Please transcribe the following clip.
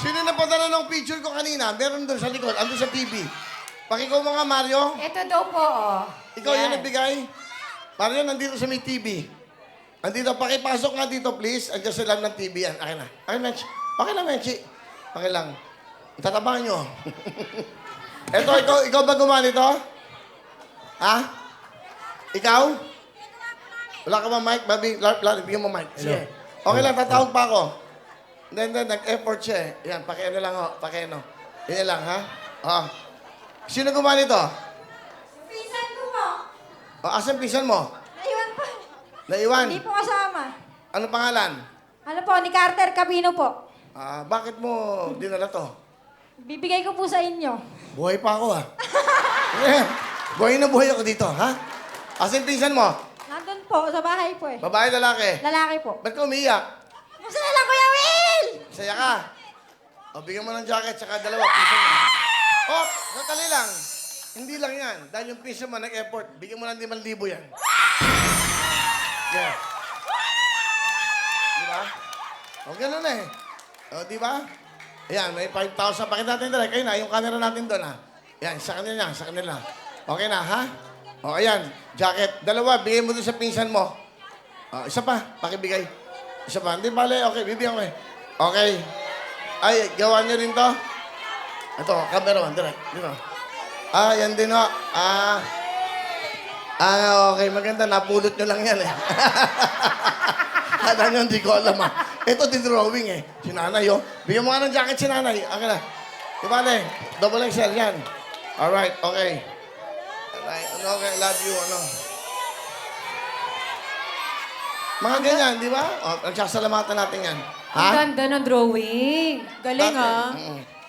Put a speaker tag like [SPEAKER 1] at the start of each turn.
[SPEAKER 1] Sino na padala ng picture ko kanina? Meron doon sa likod, andun sa TV. Pakikaw mo nga, Mario.
[SPEAKER 2] Ito daw po, oh.
[SPEAKER 1] Ikaw yan nagbigay. Mario, nandito sa may TV. Andito, pakipasok nga dito, please. Andiyan sa lang ng TV yan. Akin na. Akin, Menchi. Akin na, Menchi. Akin lang. Tatabahan nyo. Eto, ikaw ba gumawa nito? Ha? Ikaw? Wala ka ba mic? Babi, bigyan mo mic. Sige. Okay lang, tatawag pa ako. Then, nag-effort siya eh. Yan, pakiano lang ho. Pakiano. Yan lang, ha? Oh. Sino gumawa nito?
[SPEAKER 3] Pinsan ko po.
[SPEAKER 1] Asan pinsan mo?
[SPEAKER 3] Naiwan po.
[SPEAKER 1] Naiwan?
[SPEAKER 3] Hindi po kasama.
[SPEAKER 1] Ano pangalan?
[SPEAKER 3] Ano po, ni Carter Cabino po.
[SPEAKER 1] Bakit mo dinala to?
[SPEAKER 3] Bibigay ko po sa inyo.
[SPEAKER 1] Buhay pa ako, ha? Yeah. Buhay na buhay ako dito, ha? Asan pinsan mo?
[SPEAKER 3] Nandun po, sa bahay po eh.
[SPEAKER 1] Babae, lalaki?
[SPEAKER 3] Lalaki po.
[SPEAKER 1] Ba't ka umiiyak?
[SPEAKER 3] Masaya lang, Kuya Will!
[SPEAKER 1] Saya ka? O, bigyan mo ng jacket, tsaka dalawa. Pinsan mo. Oh, natali lang. Hindi lang yan. Dahil yung pinsan mo nag-effort, bigyan mo ng 5,000 yan. Yeah. Di ba? O, ganun eh. O, di ba? Ayan, may 5,000. Pakita natin direct. Ayun na, yung camera natin doon, ha? Yan, sa kanila, sa kanila. Okay na, ha? O, ayan, jacket. Dalawa, bigay mo doon sa pinsan mo. O, isa pa, pakibigay. Isa pa. Hindi, bale, okay, bibigyan ko eh. Okay. Ay, gawa niyo rin to? Ito, camera one, direct. Dito. Yan din ho. Okay, maganda. Napulot nyo lang yan eh. Kala nyo, hindi ko alam ah. Ito, drawing eh. Si nanay, oh. Bigyan mo nga ng jacket si nanay. Okay na. Di ba, ne? Double XL yan. Alright, okay. Alright, ano, okay, love you, ano. Mga ganyan, di ba? O, nagsasalamatan natin yan. Ha?
[SPEAKER 2] Ang ganda ng drawing. Galing,
[SPEAKER 1] Bakit?
[SPEAKER 2] ah.